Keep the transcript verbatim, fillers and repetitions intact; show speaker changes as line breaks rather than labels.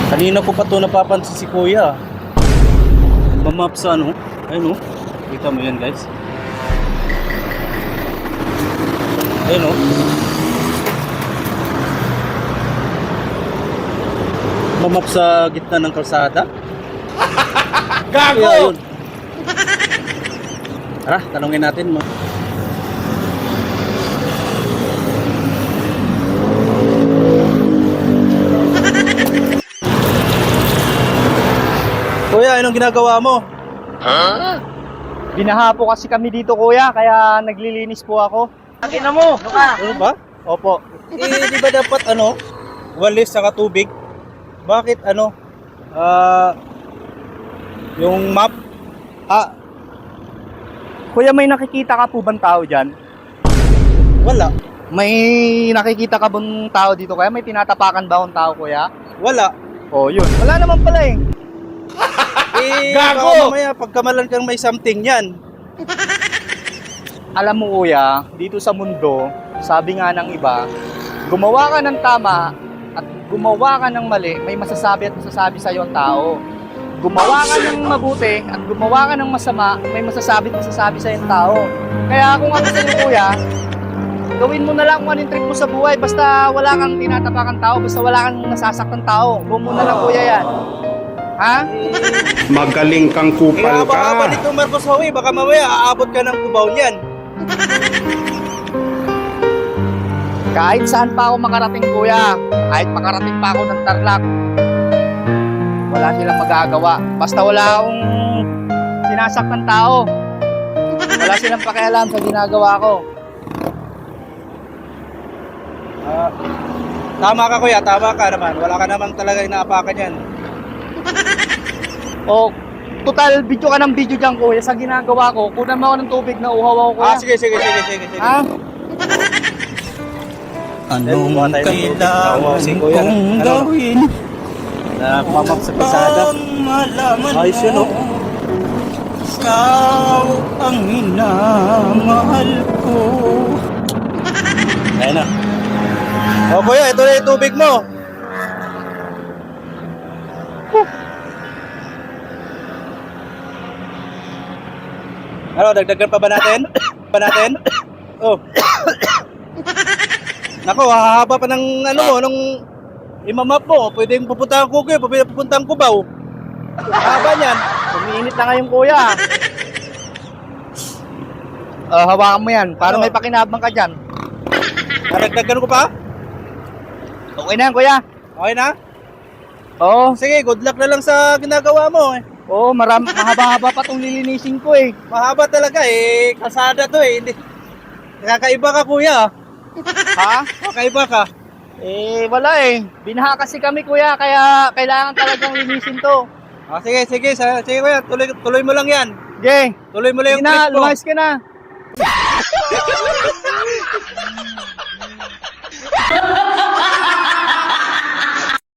Kanina ko pa to napapansin si Kuya. Mamap sa ano? Ayun o. Kita mo yan guys. Ayun o. Mamap sa gitna ng kalsada.
Gago!
Kaya yun. Tara, tanungin natin mo. Kuya, anong ginagawa mo?
Binaha po kasi kami dito kuya, kaya naglilinis po ako. Akin na mo! Ano ka?
Ano ba?
Opo.
Eh, di ba dapat ano? Walis saka tubig? Bakit ano? Ah... yung map?
Ah, kuya, may nakikita ka po bang tao dyan?
Wala.
May nakikita ka bang tao dito kaya? May tinatapakan ba akong tao kuya?
Wala.
Oh, yun. Wala naman pala eh.
Eh,
Gago!
baka mamaya pagkamalan kang may something yan.
Alam mo kuya, dito sa mundo, sabi nga ng iba, gumawa ka ng tama at gumawa ka ng mali, may masasabi at masasabi sa'yo ang tao. Gumawa ka ng mabuti at gumawa ka ng masama, may masasabi at masasabi sa'yo ang tao. Kaya kung ako sa'yo kuya, gawin mo na lang kung anong trick mo sa buhay, basta wala kang tinatapakang tao, basta wala kang nasasaktan tao. Gawin mo na lang kuya yan. Ha?
Magaling kang kupal
Haba-haba
ka.
nito Marcos Howie, baka mamaya aabot ka ng kubaw niyan.
Kahit saan pa ako makarating kuya, kahit makarating pa ako ng Tarlac, wala silang magagawa. Basta wala akong sinasaktan tao. Wala silang pakialam sa ginagawa ko.
Ah, tama ka kuya, tama ka naman. Wala ka naman talaga inaapakan yan.
O, total video ka ng video dyan kuya sa ginagawa ko. Kunan mo ako ng tubig na uhaw ako kuya.
Ah, sige, sige, sige, sige, sige.
Ha?
Anong kailangan kong gawin? Na pumamap sa pasada. Ayos yun, oh. Ikaw ang minamahal ko. Ayan na. O kuya, ito na yung tubig mo. Ano, dagdagan pa ba natin? Pa natin? Oh. Nako, hahaba pa ng ano mo, nung imamap mo. Pwedeng pupuntahan ko kayo, pwedeng pupuntahan ko ba? Haba niyan.
Umiinit na ngayon kuya. Uh, hawakan mo yan para
Ano?
may pakinabang ka dyan.
Dagdagan ko pa?
Okay na yan kuya.
Okay na?
Oo.
Sige, good luck na lang sa ginagawa mo. Eh.
Oo, maram, mahaba-haba pa itong lilinisin ko eh.
Mahaba talaga eh. Kalsada to eh. Hindi. Kakaiba ka kuya.
Ha?
Kakaiba ka.
Eh, wala eh. Binaha kasi kami kuya, kaya kailangan talagang linisin to.
Ah, sige, sige. sa- Sige kuya, tuloy, tuloy mo lang yan.
Okay.
Tuloy mo lang
Sige
yung
na,
trip mo.
lumayas ka na.